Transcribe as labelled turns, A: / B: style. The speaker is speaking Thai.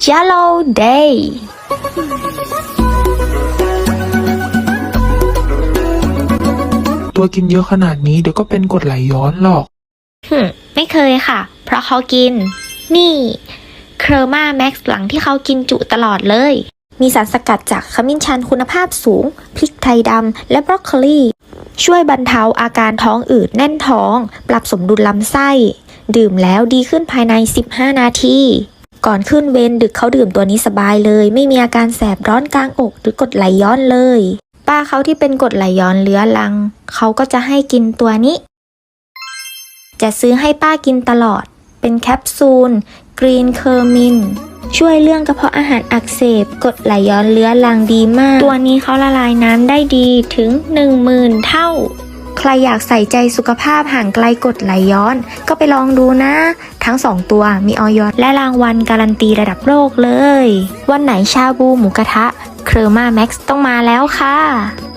A: Yellow Day
B: ตัวกินเยอะขนาดนี้เดี๋ยวก็เป็นกรดไหลย้อนหรอก
A: ไม่เคยค่ะเพราะเขากินนี่เคอร์มาแม็กซ์หลังที่เขากินจุตลอดเลยมีสารสกัดจากขมิ้นชันคุณภาพสูงพริกไทยดำและบรอกโคลีช่วยบรรเทาอาการท้องอืดแน่นท้องปรับสมดุลลำไส้ดื่มแล้วดีขึ้นภายใน15นาทีก่อนขึ้นเวรดึกเขาดื่มตัวนี้สบายเลยไม่มีอาการแสบร้อนกลางอกหรือกรดไหลย้อนเลยป้าเขาที่เป็นกรดไหลย้อนเรื้อรังเขาก็จะให้กินตัวนี้จะซื้อให้ป้ากินตลอดเป็นแคปซูลกรีนเคอร์มินช่วยเรื่องกระเพาะอาหารอักเสบกรดไหลย้อนเรื้อรังดีมากตัวนี้เขาละลายน้ำได้ดีถึง 10,000 เท่าใครอยากใส่ใจสุขภาพห่างไกลกรดไหลย้อนก็ไปลองดูนะทั้ง2ตัวมีอย.และรางวัลการันตีระดับโลกเลยวันไหนชาบูหมูกระทะเคอร์มาแม็กซ์ต้องมาแล้วค่ะ